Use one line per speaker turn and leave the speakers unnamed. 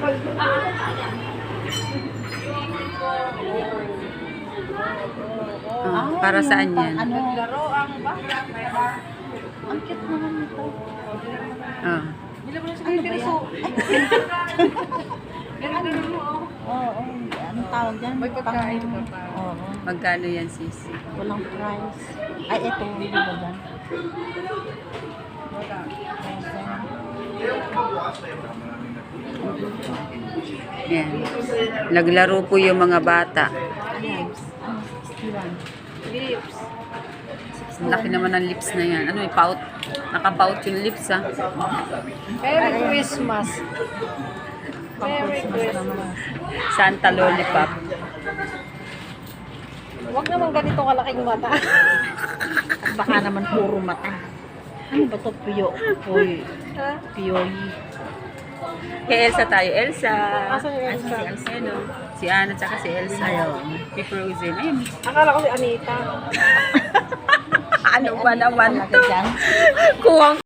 Oh, para saan yan?
Ano? Laro ang bata. Ang cute naman nito.
Oh.
Ano ba yan? Oo, anong tawag dyan? May pagkain ka pa. Oo.
Magkano yan, sis?
Walang price. Ay, ito, hindi ba dyan?
Yan. Naglaro po yung mga bata.
Lips. 61. Lips.
Ang laki naman ng lips na yan. Ano, pout? Naka-pout yung lips, ha?
Merry Christmas. Merry Christmas.
Santa Lollipop.
Huwag naman ganito kalaking mata. At baka naman puro mata. Ano ba ito? Puyoy.
Kay Elsa tayo. Elsa.
Asan yung Elsa?
Si Elsa, no? Si Anna, tsaka si Elsa. Si Frozen. Ayun.
Akala ko si Anita.
Ano ba naman
Talaga
to?
dyan.
Kuwang